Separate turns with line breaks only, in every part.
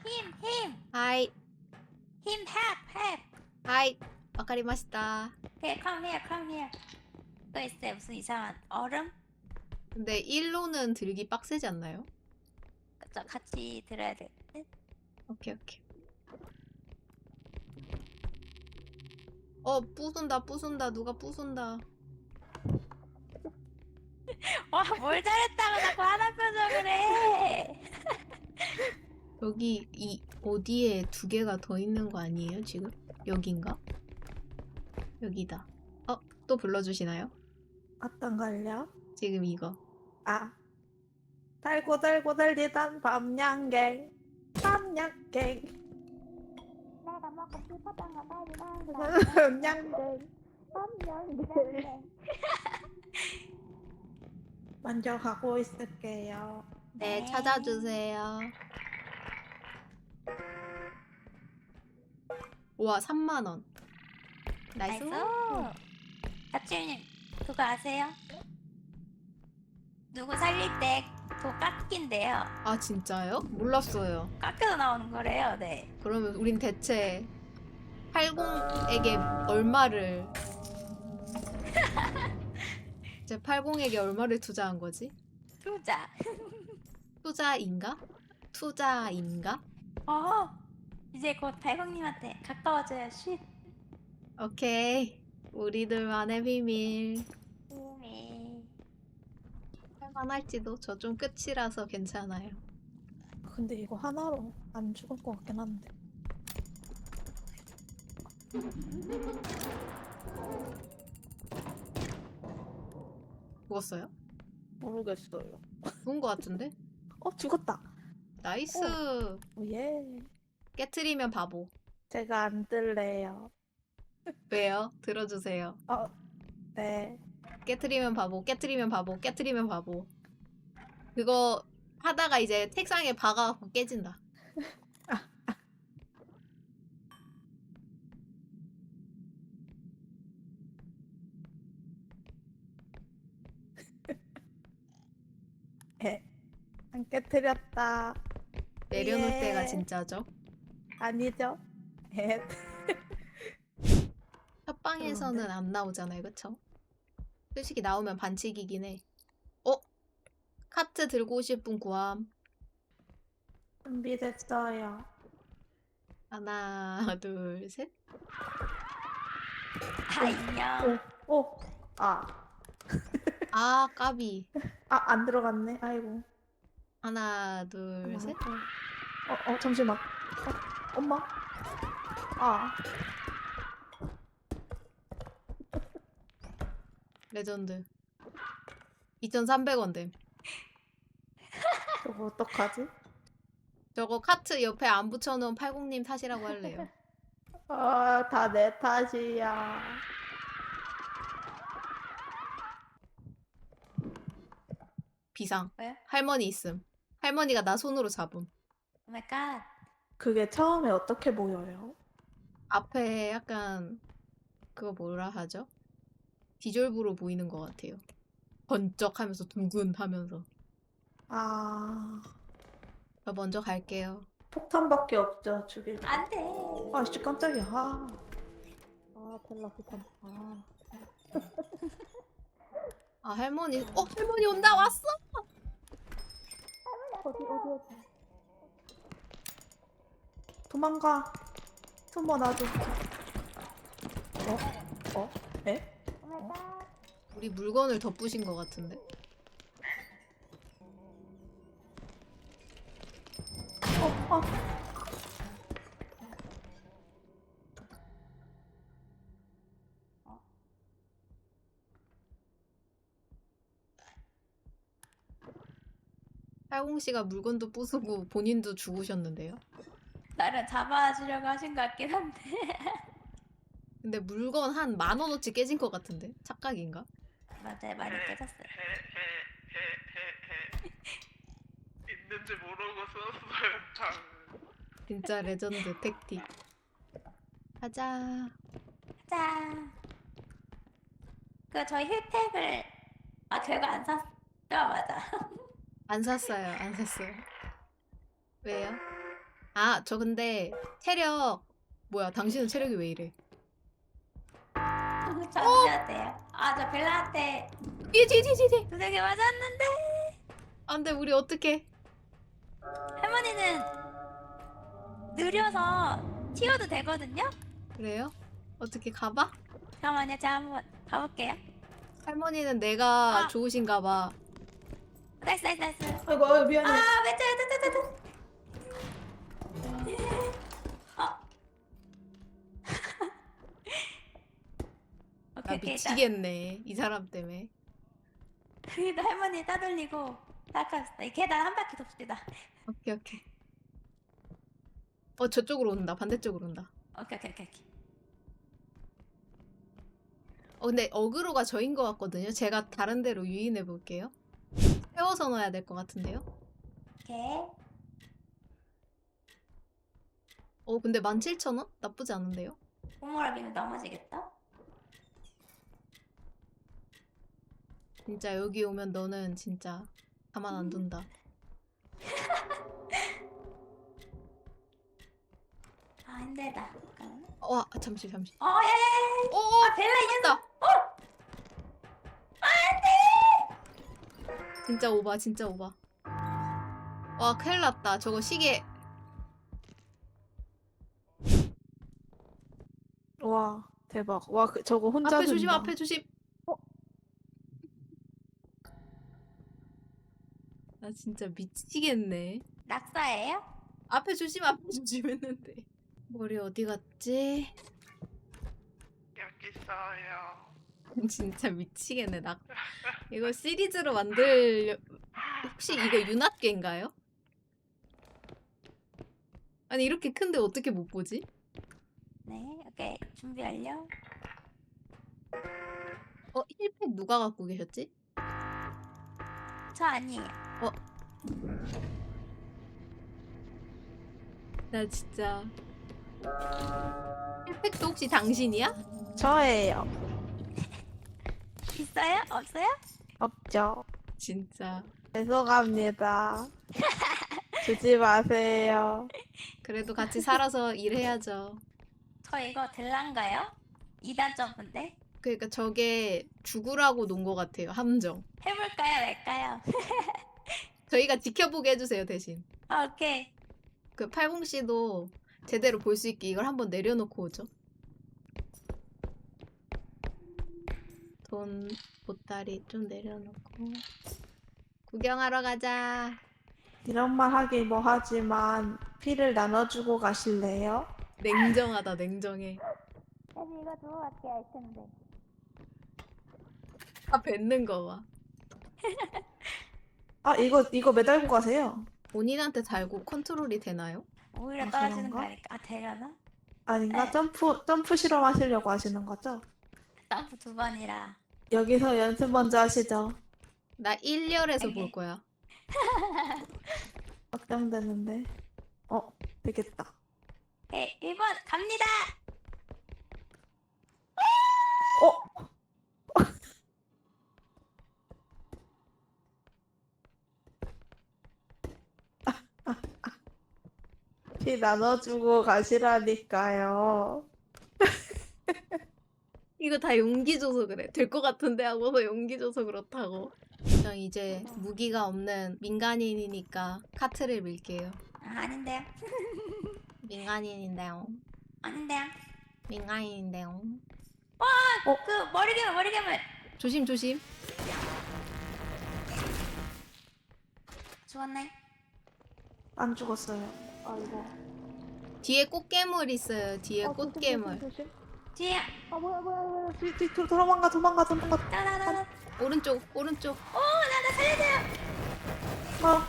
him.
はい
Him, help.
はいわかりました
Here, come here. 또 있어요. 무슨 이상한 얼음?
근데 1로는 들기 빡세지 않나요?
그쵸, 같이 들어야 될 듯?
오케이 부순다 누가 부순다
와, 뭘 잘했다고 자꾸 하나 표정을 해.
여기 이 어디에 두 개가 더 있는 거 아니에요 지금? 여긴가? 여기다 또 불러주시나요?
어떤 걸요?
지금 이거
아, 달고 달리던 밤양갱.
내가 먹고 싶었던 거
밤양갱. 먼저 가고 있을게요.
네 찾아주세요 우와 3만원 나이스
나이스. 가치님, 그거 아세요? 누구 살릴 때 도 깎인대요.
아 진짜요? 몰랐어요
깎여서 나오는 거래요. 네.
그러면 우린 대체 80에게 얼마를 이제 80에게 얼마를 투자한 거지?
투자.
투자인가?
이제 곧 발광님한테 가까워져요. 쉿.
오케이 우리들만의 비밀 할만할지도 저 좀 끝이라서 괜찮아요
근데 이거 하나로 안 죽을 것 같긴 한데.
죽었어요?
모르겠어요.
죽은 거 같은데?
죽었다.
나이스
예.
깨트리면 바보
제가 안 들래요.
왜요? 들어주세요
네.
깨트리면 바보 그거 하다가 이제 책상에 박아갖고 깨진다
안 깨뜨렸다.
내려놓을
예.
때가 진짜죠
아니죠?
협방에서는 안 나오잖아요 그쵸? 솔직히 나오면 반칙이긴 해 카트 들고 오실 분 구함
준비됐어요.
하나 둘셋
안녕.
아 까비
안 들어갔네. 아이고.
하나 둘셋
잠시만. 엄마.
레전드 2,300원 됨
저거 어떡하지?
저거 카트 옆에 안 붙여놓은 80님 탓이라고 할래요
다 내 탓이야.
비상
왜?
할머니 있음 할머니가 나 손으로 잡음
오 마이 갓.
그게 처음에 어떻게 보여요?
앞에 약간 그거 뭐라 하죠? 디졸브로 보이는 것 같아요 번쩍하면서 둥근하면서 저 먼저 갈게요
폭탄밖에 없죠, 죽일.
안 돼.
씨, 깜짝이야. 텔라 폭탄.
할머니 할머니 온다 왔어
어디. 도망가. 숨어놔줘. 에?
오 마이 갓.
우리 물건을 덧부신 것 같은데 팔공씨가 물건도 부수고 본인도 죽으셨는데요
나를 잡아주려고 하신 것 같긴 한데.
근데 물건 한 10,000원어치 깨진 것 같은데 착각인가?
맞아요, 많이 깨졌어요.
있는지 모르고 썼어요.
진짜 레전드 택틱 가자
짠. 저희 혜택을 결과 안 샀죠? 맞아.
안 샀어요 왜요? 아, 저 근데 체력 뭐야? 당신은 체력이 왜 이래?
잠시야 돼요. 아, 저 벨라한테
뒤에.
두들겨 맞았는데
안돼, 우리 어떻게?
할머니는 느려서 튀어도 되거든요?
그래요? 어떻게 가봐?
잠깐만요, 제가 한번 가볼게요.
할머니는 내가
아.
좋으신가 봐.
나이스.
아이고 아유, 미안해.
아, 왼쪽.
나
오케이.
미치겠네. 이 사람 때문에.
그래도 할머니 따돌리고 닦았어. 이 계단 한 바퀴 돕시다.
오케이. 저쪽으로 온다. 반대쪽으로 온다.
오케이.
근데 어그로가 저인 것 같거든요. 제가 다른 데로 유인해 볼게요. 세워서 넣어야 될 것 같은데요.
오케이.
근데 17,000원? 나쁘지 않은데요?
꼬물어비면 넘어지겠다.
진짜 여기 오면 너는 진짜 가만 안 둔다.
아, 힘들다. 잠깐만.
와, 잠시.
야야야.
오,
아, 벨라 이 녀석.
됐다. 진짜 오바. 와, 큰일 났다. 저거 시계.
와 대박. 와 저거 혼자
앞에 조심,
든다.
앞에 조심. 나 진짜 미치겠네.
낙사예요?
앞에 조심 했는데. 머리 어디 갔지?
여기 있어요.
진짜 미치겠네. 이거 시리즈로 만들려. 혹시 이거 윤학계인가요? 아니, 이렇게 큰데 어떻게 못 보지?
네. 오케이. 준비 완료.
힐팩 누가 갖고 계셨지?
저 아니에요.
나 진짜. 힐팩도 혹시 당신이야?
저예요.
있어요? 없어요?
없죠.
진짜.
죄송합니다. 주지 마세요.
그래도 같이 살아서 일해야죠.
저 이거 들란가요? 2단 점프인데?
그러니까 저게 죽으라고 놓은 것 같아요. 함정.
해볼까요? 말까요?
저희가 지켜보게 해주세요, 대신.
아, 오케이.
그 팔공씨도 제대로 볼 수 있게 이걸 한번 내려놓고 오죠. 돈 보따리 좀 내려놓고 구경하러 가자.
이런 말 하긴 뭐 하지만 피를 나눠주고 가실래요?
냉정하다, 냉정해.
사실 이거 두고 갈게요, 할 텐데.
다 뱉는 거 봐.
아 이거 매달고 가세요.
본인한테 달고 컨트롤이 되나요?
오히려
아,
떨어지는
그런가?
거니까. 아, 되려나?
아닌가?
네.
점프 실험하시려고 하시는 거죠?
점프 2번이라.
여기서 연습 먼저 하시죠.
나 1열에서 볼
오케이.
거야.
확정되는데. 되겠다.
오케이, 1번 갑니다!
어? 피 나눠주고 가시라니까요.
이거 다 용기 줘서 그래. 될 것 같은데 하고서 용기 줘서 그렇다고. 저 이제 무기가 없는 민간인이니까 카트를 밀게요.
아, 아닌데요?
민간인인데요.
아닌데요?
민간인인데요.
그 머리괴물!
조심.
죽었네.
안 죽었어요. 아이고.
뒤에 꽃게물 있어요. 뒤에 꽃게물.
뒤에!
뭐야. 뒤 도망가.
나나나나.
오른쪽.
나 살려줘요!
뭐야.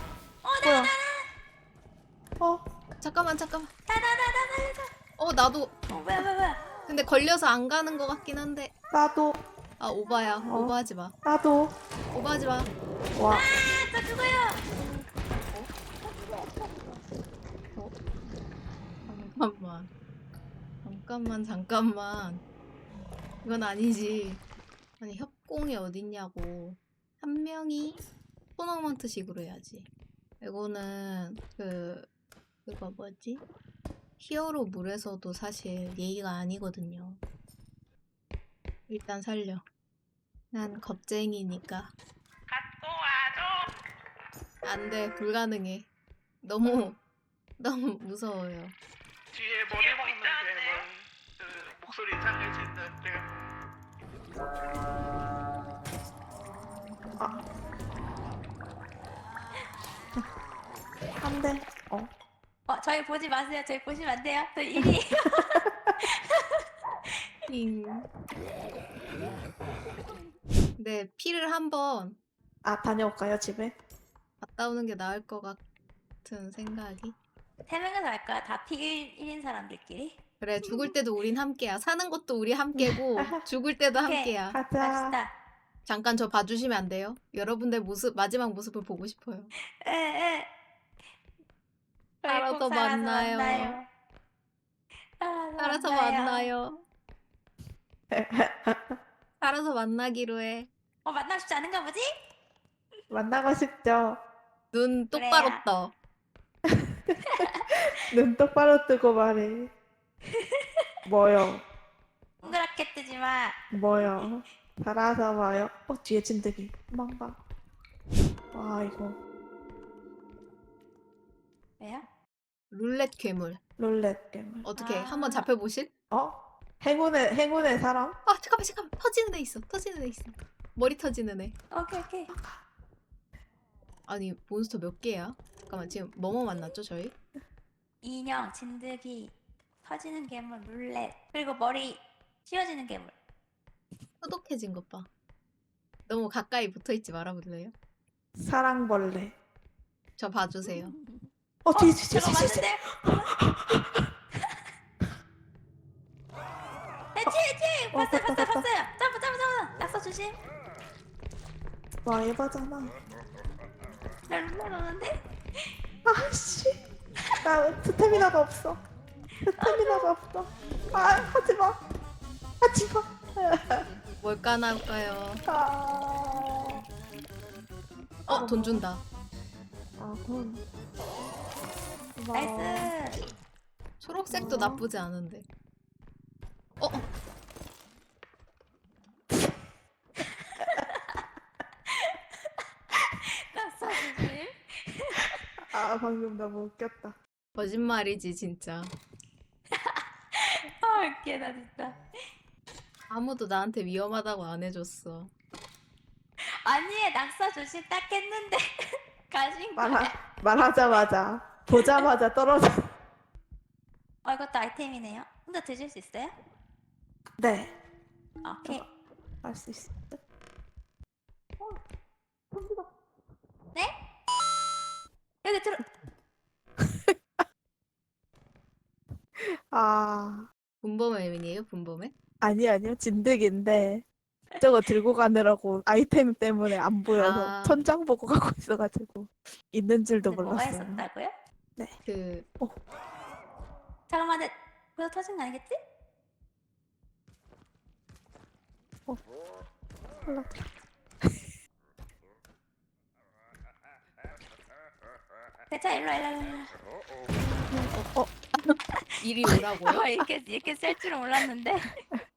잠깐만.
나 살려줘!
나도.
뭐야.
근데 걸려서 안 가는 것 같긴 한데.
나도.
아, 오바야. 오바하지 마.
나도.
오바하지 마.
와.
저 죽어요!
잠깐만. 이건 아니지. 아니, 협공이 어딨냐고. 한 명이 토너먼트식으로 해야지. 이거는 그 그거 뭐지? 히어로 물에서도 사실 예의가 아니거든요. 일단 살려. 난 겁쟁이니까.
갖고 와줘.
안 돼, 불가능해. 너무 무서워요.
뒤에 머리 먹는 괴물. 그 목소리 이상해지는데.
안 돼.
저희 보지 마세요. 저희 보시면 안 돼요. 저 1위.
잉. 네, 피를 한번
다녀올까요, 집에?
갔다 오는 게 나을 것 같은 생각이.
3명이서 할까? 다 P1인 사람들끼리?
그래, 죽을 때도 우린 함께야. 사는 것도 우리 함께고 죽을 때도
오케이.
함께야.
가자.
갑시다.
잠깐 저 봐주시면 안 돼요? 여러분들 마지막 모습을 보고 싶어요.
에. 저희
살아서
꼭
만나요. 살아서 만나요. 살아서 만나기로 해.
만나고 싶지 않은가 보지?
만나고 싶죠?
눈 똑바로
그래야.
떠.
눈 똑바로 뜨고 말해. 뭐요?
동그랗게 뜨지 마.
뭐요? 살아서 봐요. 뒤에 진드기. 도망가. 와, 이거.
왜요?
룰렛 괴물.
롤렛 게임.
어떻게
아.
한번 잡혀보실?
행운의 사람?
잠깐만. 터지는 애 있어. 머리 터지는 애.
오케이.
아니, 몬스터 몇 개야? 잠깐만, 지금 뭐뭐 만났죠, 저희?
인형, 진드기, 터지는 괴물, 룰렛, 그리고 머리 씌워지는 괴물.
소독해진 것 봐. 너무 가까이 붙어있지 말아볼래요?
사랑벌레.
저 봐주세요.
뒤에.
저거 맞는데? 치! 봤어요. 점프. 낙서 조심.
와, 에바잖아.
날 눌러놓는데?
아씨. 나 스태미나가 없어. 하지마.
뭘까 나올까요? 돈 준다.
돈.
나이스.
초록색도 나쁘지 않은데.
낙서 조심.
방금 너무 웃겼다.
거짓말이지, 진짜.
웃기다 진짜.
아무도 나한테 위험하다고 안 해줬어.
아니, 낙서 조심 딱 했는데 가신 거야.
말하자마자 보자마자 떨어져.
이것도 아이템이네요. 혼자 드실 수 있어요?
네,
오케이.
할 수 있어.
네? 여기 들어.
분범의민이에요, 분범의?
아니요, 진드기인데 저거 들고 가느라고 아이템 때문에 안 보여서 천장 보고 가고 있어가지고 있는 줄도
뭐가
몰랐어요.
있었다고요? 잠깐만, 그거 터진 거 아니겠지?
몰랐다.
대차 일로 와.
이리 오라고요?
이렇게 쓸 줄은 몰랐는데.